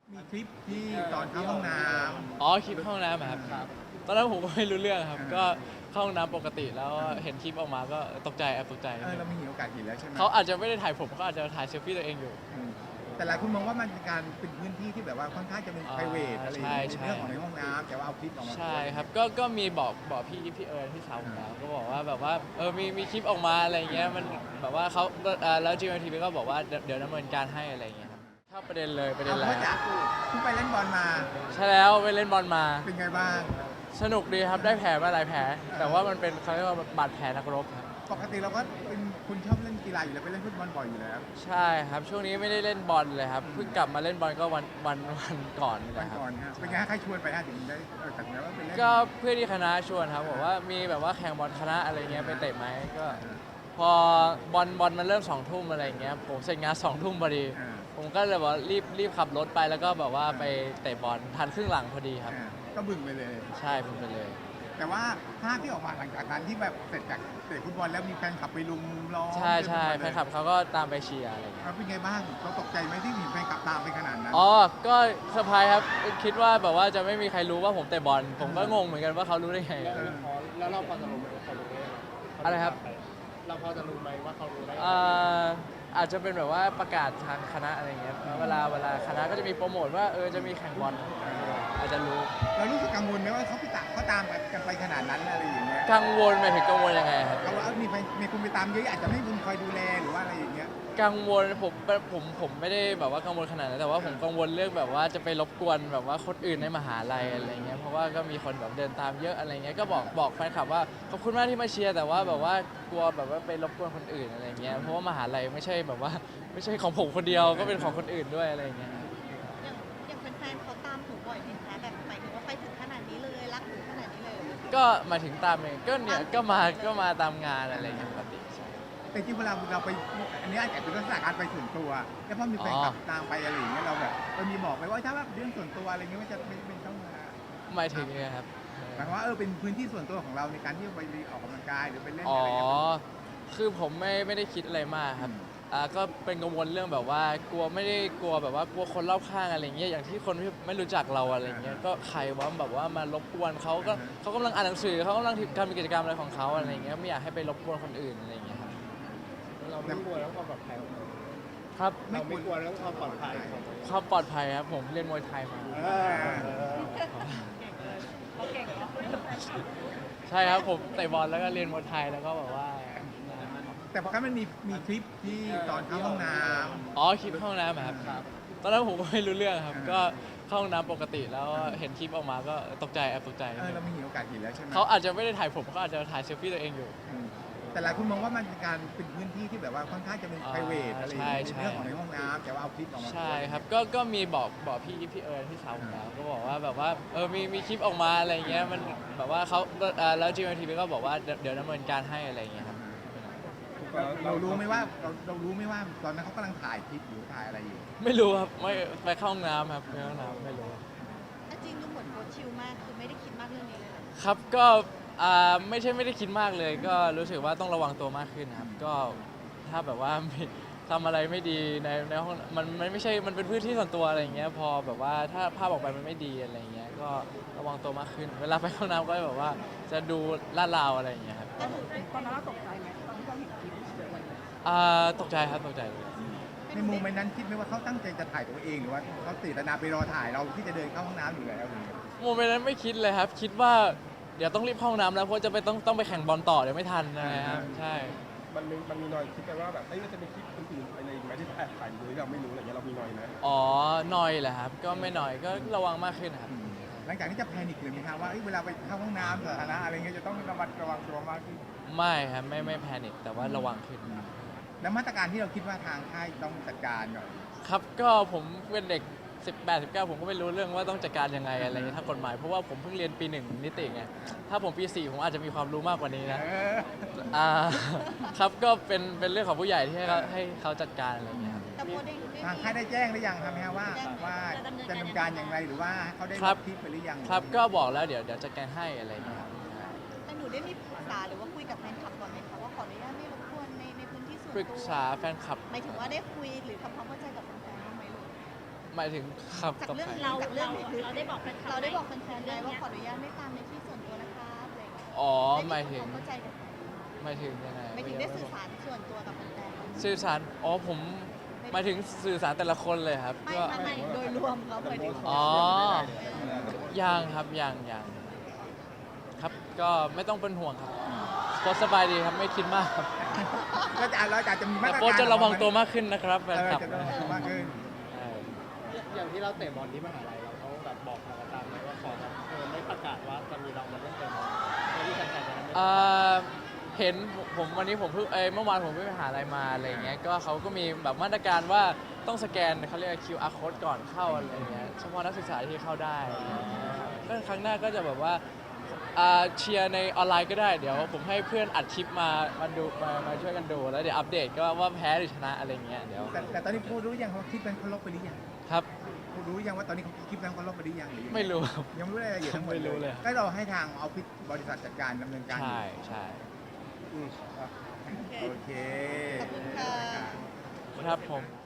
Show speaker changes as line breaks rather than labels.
มีคลิปที่ตอนเข้าห้องน้
อ๋อคลิปเข้าห้องน้ำอะครับตอนนั้นผมก็ไม่รู้เรื่องครับก็เข้าห้องน้ำปกติแล้วเห็นคลิปออกมาก็ตกใจแอบตกใจ
ำเราไม่มีโอกาสเห็นแล้วใช่ไหม
เขาอาจจะไม่ได้ถ่ายผมเขาอาจจะถ่ายเซลฟี่ตัวเองอยู่
อืมแต่หลายคนมองว่ามันเป็นการเป็นพื้นที่ที่แบบว่าค่อนข้างจะเป็น private อะไรอย่างเงี้ยในเรื่องของในห้องน้ำแต่ว่าเอาคลิปออกมา
ใช่ครับก็มีบอกพี่เอิญพี่สาวผมแล้วก็บอกว่าแบบว่ามีคลิปออกมาอะไรเงี้ยมันแบบว่าเขาแล้ว GMMTV ก็บอกว่าเดี๋ยวดำเนินการให้อะไรเงี้ยครับเข้าประเด็นเลยประเด็นแร
เอา
ก
พ่อจ๋าเพิ่งไปเล่นบอลมา
ใช่แล้วไปเล่นบอลมา
เป็นไงบ้าง
สนุกดีครับได้แผลมาหลายแผลแต่ว่ามันเป็นเขาเรียกว่าบาดแผลนักรบครับ
ปกติเราก็เป็นคุณชอบเล่นกีฬาอยู่แล้วไปเล่นฟุตบอลบ่อยอยู่แล้ว
ใช่ครับช่วงนี้ไม่ได้เล่นบอลเลยครับเพิ่งกลับมาเล่นบอลก็วันก่อนนี่แห
วัน
ละครับ
ก่อนฮะเป็นไงฮะใครชวนไปฮะถึงได้ตัดสินใจว่าไปเล่น
ก็เพื่อนที่คณะชวนครับบอกว่ามีแบบว่าแข่งบอลคณะอะไรเงี้ยไปเตะไหมก็พอบอลมันเริ่ม2 ทุ่มอะไรเงี้ยผมเสร็จงาน2 ทุ่มพอดี
อ่า
ผมก็เลยบอกรีบขับรถไปแล้วก็แบบว่าไปเตะบอลทันครึ่งหลังพอดีครับ
ก็บึ่งไปเลย
ใช่ผมไปเลย
แต่ว่าภาพที่ออกมาหลังจากนั้นที่แบบเสร็จจากเตะฟุตบอลแล้วมีแฟนคลับไปลุมล้อม
ใช่ใช่
เต็มไปหมดเลย
แฟนคลับเขาก็ตามไปเชียร์อะไรเงี้ย
เป็นไงบ้างเราตกใจไหมที่มีแฟนคลับตามไปขนาดนั้น
อ๋อก็เซอร์ไพรส์ครับคิดว่าแบบว่าจะไม่มีใครรู้ว่าผมเตะบอลผมก็งงเหมือนกันว่าเขารู้ได้ไง
แล้วเราพอจะรู้ไหมว่าเขารู้ได้ยังไง
อะไรครับ
เราพอจะรู้ไหมว่าเขารู้ได้ยังไง
อาจจะเป็นแบบว่าประกาศทางคณะอะไรเงี้ยเวลาคณะก็จะมีโปรโมทว่าจะมีแข่งบอลอาจจะรู้
เรารู้สึกกังวลไหมว่าเขาตามกันไปขนาดนั้นอะไรอย่างเงี้ย
กังวลหมายถึงกังวลยังไงครับ
เขาว่ามีคุณไปตามเยอะอาจจะไม่มีคุณคอยดูแลหรือว่าอะไรอย่างเงี้ย
กังวลผมไม่ได้แบบว่ากังวลขนาดนั้นแต่ว่าผมกังวลเรื่องแบบว่าจะไปรบกวนแบบว่าคนอื่นในมหาลัยอะไรเงี้ยเพราะว่าก็มีคนแบบเดินตามเยอะอะไรเงี้ยก็บอกแฟนคลับว่าขอบคุณมากที่มาเชียร์แต่ว่าแบบว่ากลัวแบบว่าไปรบกวนคนอื่นอะไรเงี้ยเพราะว่ามหาลัยไม่ใช่แบบว่าไม่ใช่ของผมคนเดียวก็เป็นของคนอื่นด้วยอะไรเงี้ย
อย่างแฟนๆเขาตามหนูบ่อยไหมคะแบบหมายถึงว่าไปถึงขนาดนี้เลยรักหนูขนาดนี้เลย
ก็มาถึงตามเองก็เนี่ยก็มาตามงานอะไรเงี้ยปกติใช่
แต่จริงเวลาเราไปอันนี้อาจจะเป็นลักษณะการไปส่วนตัวแล้วพอมีแฟนคลับตามไปอะไรอย่างเงี้ยเราแบบมีบอกไปว่าถ้าว่าเรื่องส่วนตัวอะไรเงี้ยมันจะไม่ต้องมา
หมายถึงไงครับ
หมายความว่าเป็นพื้นที่ส่วนตัวของเราในการที่ไปออกกำลังกายหรือไปเล่น
อ๋อ
อะไรเงี้ย
คือผมไม่ได้คิดอะไรมากครับก็เป็นกังวลเรื่องแบบว่ากลัวไม่ได้กลัวแบบว่ากลัวคนรอบข้างอะไรเงี้ยอย่างที่คนที่ไม่รู้จักเราอะไรเงี้ยก็ใครว่าแบบว่ามารบกวนเขาก็เขากำลังอ่านหนังสือเขากำลังทำกิจกรรมอะไรของเขาอะไรเงี้ยไม่อยากให้ไปรบกวนคนอื่นอะไรเงี้ยครับ
เราไม่กลัวเรื่องความปลอดภัยของเรา
ครับ
เราไม่กลัวเรื่องความปลอดภัยของเรา
ความปลอดภัยครับผมเรียนมวยไทยมา
เขาเก่งเนาะ
ใช่ครับผมเตะบอลแล้วก็เรียนมวยไทยแล้วก็แบบว่า
แต่พอมันมีคลิปที่ตอนเข้าห้องน้ำ
อ๋อคลิปเข้าห้องน้ำอะครับตอนนั้นผมก็ไม่รู้เรื่องครับก็เข้าห้องน้ำปกติแล้วเห็นคลิปออกมาก็ตกใจแอบตกใจ
เราไม่มีโอกาสเห็นแล้วใช่ไหม
เขาอาจจะไม่ได้ถ่ายผมเขาอาจจะถ่ายเซลฟี่ตัวเองอยู่
แต่หลายคนมองว่ามันเป็นการเป็นพื้นที่ที่แบบว่าค่อนข้างจะเป็น private อะไรอย่างเงี้ยในเรื่องของในห้องน้ำแต่ว่าเอาคลิปออกมา
ใช่ครับก็มีบอกพี่เอิญพี่สาวผมแล้วก็บอกว่าแบบว่ามีคลิปออกมาอะไรเงี้ยมันแบบว่าเขาแล้ว GMMTV ก็บอกว่าเดี๋ยวดำเนินการให้อะไรเงี้ยครับ
เรารู้ไหมว่าเรารู้ไหมว่าตอนนั้นเขากำลังถ่ายคลิปอยู่ถ่ายอะไรอยู่
ไม่รู้ครับไม่ไปเข้าห้องน้ำครับไปเข้าห้องน้ำไม่รู้
แต่จริงดูเหมือนโคชชิลมากคือไม่ได้คิดมากเรื่องนี้เลยเหรอ
ครับก็ไม่ใช่ไม่ได้คิดมากเลย ก็รู้สึกว่าต้องระวังตัวมากขึ้นครับก็ถ้าแบบว่ามีทำอะไรไม่ดีในห้องมันไม่ใช่มันเป็นพื้นที่ส่วนตัวอะไรอย่างเงี้ยพอแบบว่าถ้าภาพออกไปมันไม่ดีอะไรอย่างเงี้ยก็ระวังตัวมากขึ้น เวลาไปห้องน้ำก็แบบว่าจะดูลาดราวอะไรอย่างเงี้ยครับ
แต่หนู
ตอนนั้นเราตกใจไหมตอนที่เราเห็นคลิป
ตกใจครับตกใจเลย
ในมุมนั้นคิดไหมว่าเขาตั้งใจจะถ่ายตัวเองหรือว่าเขาเจตนาไปรอถ่ายเราที่จะเดินเข้าห้องน้ำอยู่แล้วอย่างเงี้ย
โมเมนต์นั้นไม่คิดเลยครับ คิดว่าเดี๋ยวต้องรีบเข้าห้องน้ำแล้วเพราะจะไปต้องไปแข่งบอลต่อเดี๋ยวไม่ทันนะครับใช่
มันมีนอยคิดกันว่าแบบมันจะมีคลิปอื่นๆอะไรอีกไหมที่แอบถ่ายโดยที่เราไม่รู้อะไรเงี้ยเรามีนอยไหม
อ๋อหนอยแหละครับก็ไม่หน่อยก็ระวังมากขึ้นครับ
หลังจากนี้จะแพนิคเลยไหมครับว่าเวลาไปเข้าห้องน้ำสาธารณะอะไรเงี้ยจะต้องระวังตัวมากขึ้น
ไม่ครับไม่แพนิคแต่ว่าระวังขึ้น
แล้วมาตรการที่เราคิดว่าทางค่ายต้องจัดการก่อน
ครับก็ผมเป็นเด็ก 18 19 ผมก็ไม่รู้เรื่องว่าต้องจัดการยังไงอะไรเงี้ยทางกฎหมายเพราะว่าผมเพิ่งเรียนปี 1 นิติไงถ้าผมปี 4 ผมอาจจะมีความรู้มากกว่านี้นะ ครับก็เป็นเรื่องของผู้ใหญ่ที่ให้เขาจัดการอะไรเงี้ยครับ
แต่โมได้
ทางค่ายได้แจ้งหรือยังครับว่าจะดำเนินการอย่างไรหรือว่าเขาได้
ครับ
คลิปไปหรือยัง
ครับก็บอกแล้วเดี๋ยวจัดการให้อะไรเงี้ยครับ
แต่หนูได้มีปรึกษาหรือว่าคุยกับแฟนคลับก่อนไหมคะว่าขออนุญาตไม่รบกวนในพื้นที่ส่วน
ปรึก
ตัว
ษาแฟนคลับ
หมายถึงว่าได้คุยหรือทำความเข้าใจกับแฟนๆบ้างไหมลูก
หมายถึงครับ
จาก
กับ
เรื่อง
ใคร
เราจากเรื่องเราได้บอกแฟนเราได้บอกแฟนๆไหมว่าขออนุญาตไม่ตามในที่ส่วนตัวนะครับอะไรอย่างเงี้ย
อ๋อ
ได้
หมายถึง
เข้าใจกัน
หมายถึงยังไง
ไม่ถึงได้สื่อสารส่วนตัวกับแฟนๆ
สื่อสารอ๋อผมหมายถึงสื่อสารแต่ละคนเลยครับ
ไม่
ก็
ไม่โดยรวมเขาหมายถึง
อ๋อ ยังครับยังครับก็ไม่ต้องเป็นห่วงครับโพสต์สบายดีครับไม่คิดมากครับ
เราจะมีมา
แต่
ตรการ
โพสต์จะระวังตัวมากขึ้นนะครับแฟนคลับ
จะระวังตัวมากขึ้น
ใช่
อย่างที่เราเตะบอลที่มหาลัยเราเขาแบบบอกทางอาจารย์ไหมว่าขอแบบไม่ประกาศว่าจะมีเรามาเล่นเตะบอลเพื่อที่แฟนๆจะได้ไม่
เห็นผมวันนี้ผมเพิ่งเมื่อวานผมไปหาอะไรมาอะไรเงี้ยก็เขาก็มีแบบมาตรการว่าต้องสแกนเขาเรียก QR code ก่อนเข้าอะไรเงี้ยเฉพาะนักศึกษาที่เข้าได้อะไรเงี้ยก็ครั้งหน้าก็จะแบบว่าเชียร์ในออนไลน์ก็ได้เดี๋ยวผมให้เพื่อนอัดคลิปมาดูมาช่วยกันดูแล้วเดี๋ยวอัปเดตก็ว่าแพ้หรือชนะอะไรเงี้ยเดี๋ยว
แต่ตอนนี้พูดรู้ยังเขาคลิปนั้นเขาลบไปหรือยัง
ครับ
พูดรู้ยังว่าตอนนี้เขาคลิปนั้นเขาลบไปหรือยังหรือยัง
ไม่รู้ครับ
ยังไม่รู้รายละเอียดทั้งหมด
ไม่รู้เลย
ก็เราให้ทางออฟฟิศบริษัทจัดการดำเนินการอยู่
ใช่
โอเค
ขอบคุณค่ะ
ครับผม